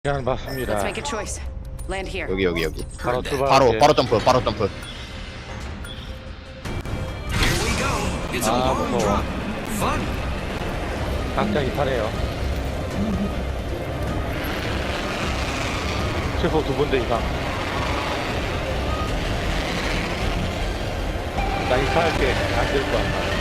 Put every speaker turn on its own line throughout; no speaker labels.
그냥
Let's
봤습니다.
make a choice. Land here.
여기
바로 출발.
바로 점프
Here we go. It's a
Ah,
long
mustawa.
drop. Fun.
각자 이탈해요. 최소 2군데 이상. 나 이탈할게. 안 될 것 같아.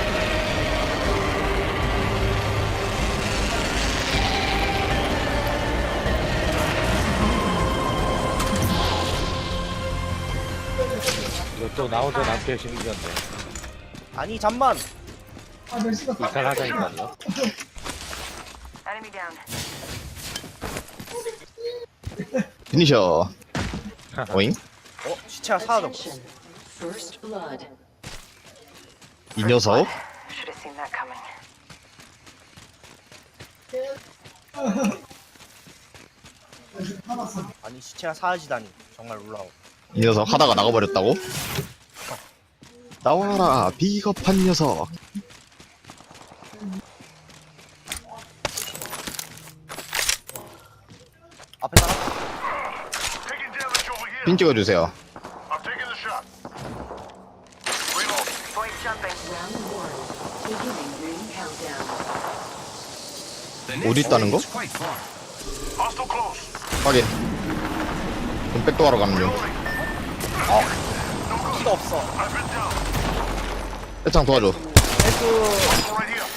이거 또 나오던 앞에 생기던데.
아니 잠만.
이탈하자니까요.
Enemy down.
피니셔. 오잉?
시체가 사라졌고.
First blood.
이 녀석?
Should have seen that coming.
아니 시체가 사라지다니 정말 놀라워.
이 녀석 하다가 나가버렸다고? 나와라 비겁한 녀석.
앞에 사람?
Taking damage over here.
핀 찍어주세요.
I'm taking the shot. Reload.
Point jumping.
Round one. Beginning ring countdown.
The
어디
next
있다는
ring
거?
is quite far.
Hostile close.
확인. 그럼 백도하러 가는 중.
키가 없어.
I've been down.
해창 도와줘.
에스.
Right here.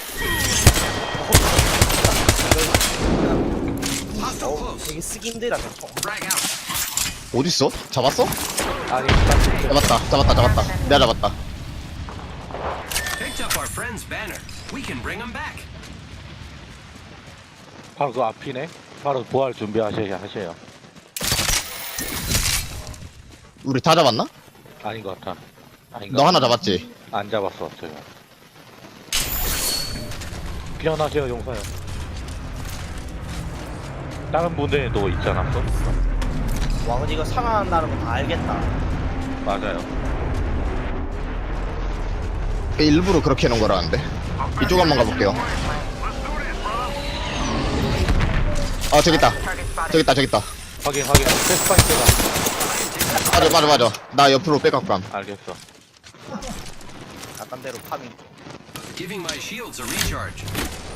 Hostile close.
되게 쓰기 힘들다. 저.
Frag out.
어딨어? 잡았어?
아니,
잡았다. 내가 잡았다.
Picked up our friend's banner. We can bring him back.
바로 그 앞이네. 바로 부활 준비하셔요.
우리 다 잡았나?
아닌 것 같아. 아닌가?
너 하나 잡았지?
안 잡았어, 제가. 피어나세요, 용사요. 다른 분들도 있지 않았어?
와 근데 이거 살아난다는 거 다 알겠다.
맞아요.
일부러 그렇게 해놓은 거라는데. 이쪽 한번 가볼게요.
Let's do this, brother.
아 저기 있다.
Target spotted.
저기 있다.
확인. 패스파이트가.
맞아. 나 옆으로 백업감.
알겠어.
약간 대로 파밍.
Giving my shields a recharge.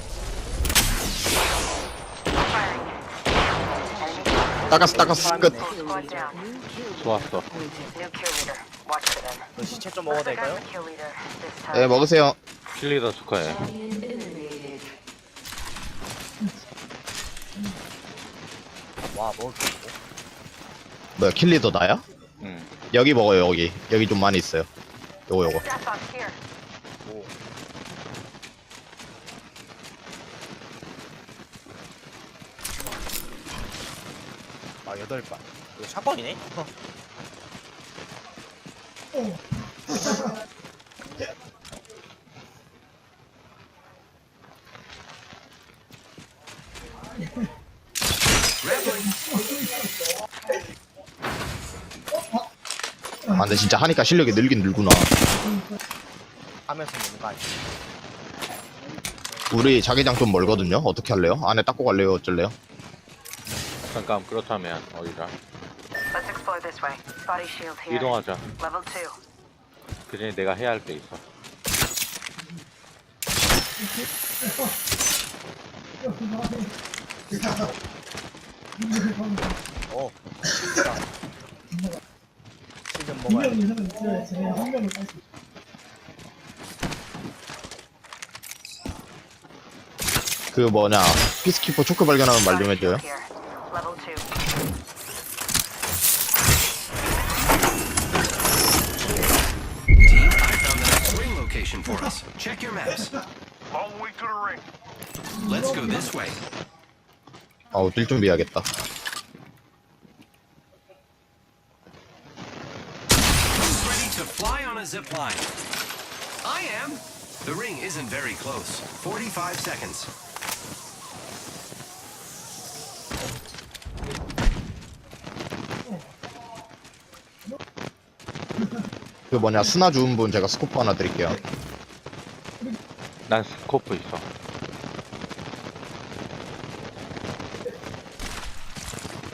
닦았어. 끝.
Squad down.
New kill
좋았어.
New kill leader. Watch for them.
그 시체 좀 먹어도 될까요?
Got the kill leader this time.
네 먹으세요.
킬리더 축하해.
champion eliminated.
와 먹을 게 있고.
뭐야 킬리더 나야?
응.
여기 먹어요 여기 좀 많이 있어요. 요거.
Staff box here.
오. 아 8발. 이거 샷건이네?
아 근데 진짜 하니까 실력이 늘긴 늘구나.
하면서 먹는 거 아니야?
우리 자기장 좀 멀거든요. 어떻게 할래요? 안에 닦고 갈래요? 어쩔래요?
잠깐, 그렇다면, 어디다.
Let's explore this way. Body shield here.
이동하자.
Level 2.
그 전에 내가 해야 할 게 있어.
어. 실좀 먹어야 돼.
그 뭐냐 피스키퍼 초크 발견하면 말 좀 해줘요.
Here. Level 2.
Team, I found the next ring location for us. Check your maps.
Long way to the ring.
Let's go this way.
아우 뛸 준비해야겠다.
Who's ready to fly on a zip line? I am. The ring isn't very close. 45 seconds.
그 뭐냐 스나 주운 분 제가 스코프 하나 드릴게요.
난 스코프 있어.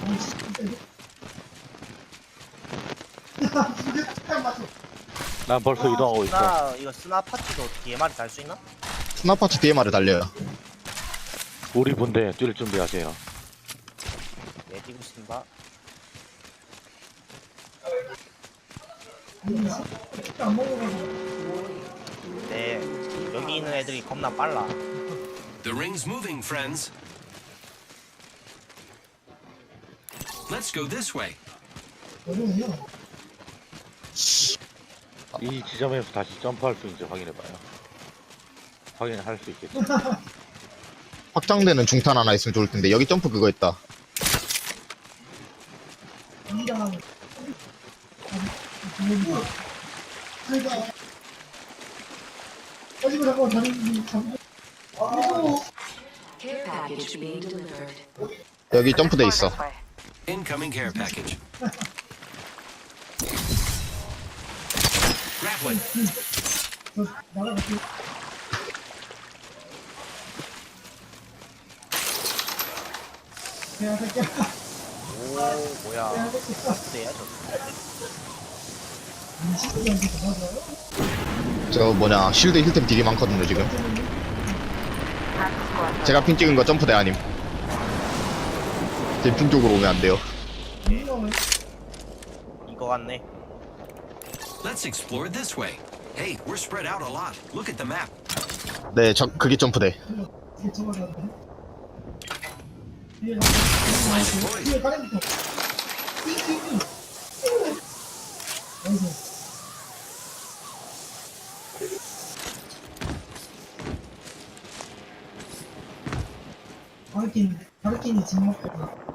난 벌써 이동하고 있어.
이거 스나 파티도 DMR이 달 수 있나?
스나파츠 DMR을 달려요.
우리 분대 뛸 준비하세요.
네, 뛰고 있습니다. 네, 여기 있는 애들이 겁나 빨라.
The ring's moving, friends. Let's go this way.
이 지점에서 다시 점프할 수 있는지 확인해봐요. 확인할 수 있겠지.
확장되는 중탄 하나 있으면 좋을 텐데 여기 점프 그거 있다.
Care package being delivered.
여기 점프돼 있어.
This way.
Incoming care package. Grappling.
오, 뭐야. 네야, 저.
저 뭐냐 실드 힐템 딜이 많거든요 지금.
Half the squad.
제가 핑 찍은 거 점프대 아님. 제 핑 쪽으로 오면 안 돼요.
이거 같네.
Let's explore this way. Hey, we're spread out a lot. Look at the map.
네, 그게 점프대.
바르킨이 진먹고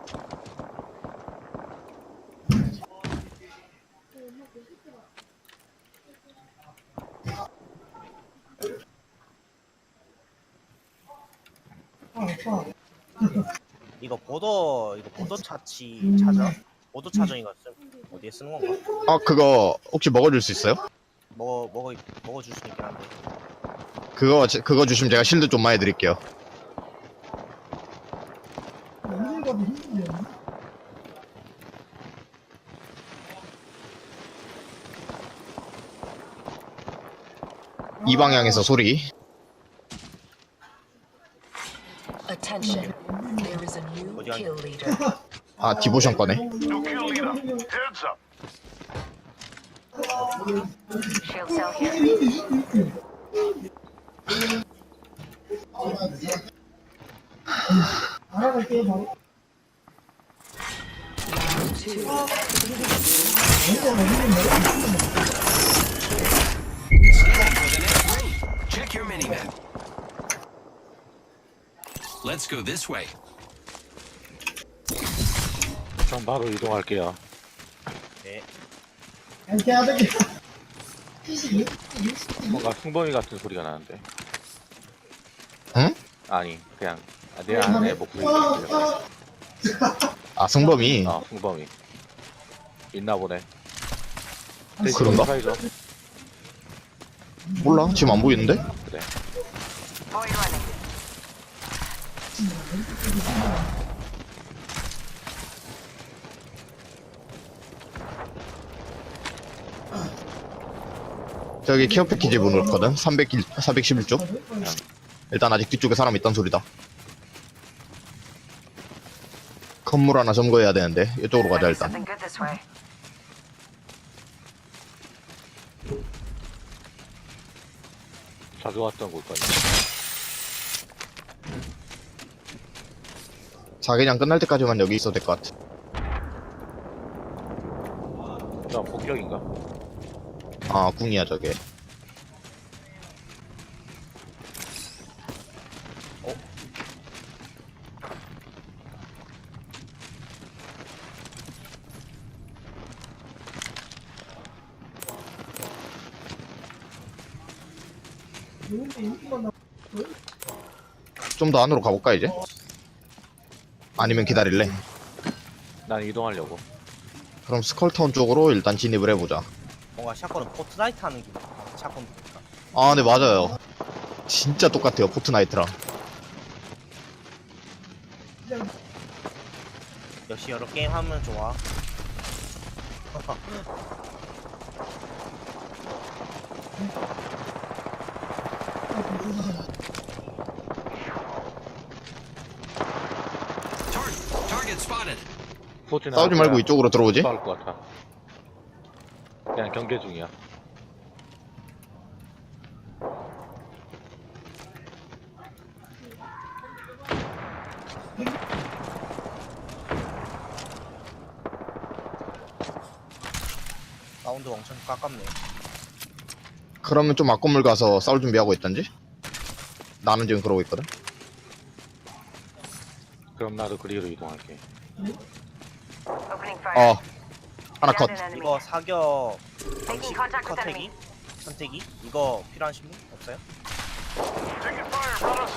이거 보도 차치 찾아? 보도 차정 이거 어디에 쓰는 건가?
아 그거 혹시 먹어줄 수 있어요?
먹어줄 수 있긴 한데.
그거 주시면 제가 실드 좀 많이 드릴게요.
어딜 가도 힘들네요.
이 방향에서 소리.
Attention. There is a new
어디 가-
kill leader.
아 디보션 거네.
New kill leader. Heads up.
Shield cell here.
알아갈게요 바로.
Scanning for the next ring. Check your mini-map. Let's go this way.
그럼 바로 이동할게요.
네.
이렇게 하는 게
뭔가 승범이 같은 소리가 나는데.
응?
아니, 그냥 내 안에 목소리가 들려.
아 승범이.
승범이. 있나 보네.
그런가?
사이죠.
몰라 지금 안 보이는데?
그래.
Void running.
저기 케어 패키지 문을 거든. 411쪽. 일단 아직 뒤쪽에 사람 있단 소리다. 건물 하나 점거해야 되는데 이쪽으로 가자 일단.
Something good this way.
자주 왔던 곳 거니.
자기장 끝날 때까지만 여기 있어도 될 것 같아.
저 폭격인가?
아 궁이야 저게. 좀 더 안으로 가볼까 이제? 아니면 기다릴래?
난 이동하려고.
그럼 스컬타운 쪽으로 일단 진입을 해보자.
뭔가 샷건은 포트나이트 하는 기분. 샷건 보니까.
아 네 맞아요. 진짜 똑같아요 포트나이트랑.
역시 여러 게임 하면 좋아.
Target spotted.
포트는
싸우지 말고
아까
이쪽으로 들어오지?
싸울 것 같아. 그냥 경계 중이야.
사운드 엄청 깎았네.
그러면 좀 앞건물 가서 싸울 준비하고 있던지? 나는 지금 그러고 있거든.
그럼 나도 그리로 이동할게.
Opening fire.
하나 컷.
Downed an enemy.
이거 사격
Making contact with enemy.
선택이 이거 필요하신 분 없어요?
Taking fire, brothers.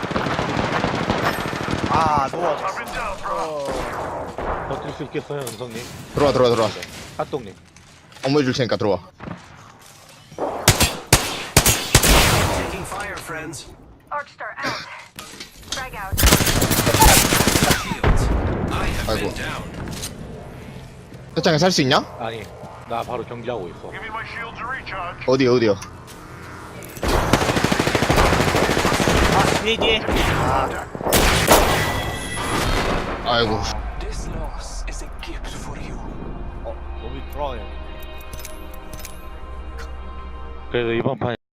아
I've
누워졌어.
been down, brother.
버틸 수 있겠어요, 은성님?
들어와.
핫동님.
업무 해줄 테니까 들어와.
Taking fire, friends.
Arcstar out. Frag out.
Shields. I have
아이고.
been down.
세창에 살 수 있냐?
아니, 나 바로 경기하고 있어.
Give me my shields to recharge.
어디요?
아 뒤에. 아
아이고.
This loss is a gift for you.
몸이 돌아가네.
그래도 이번 판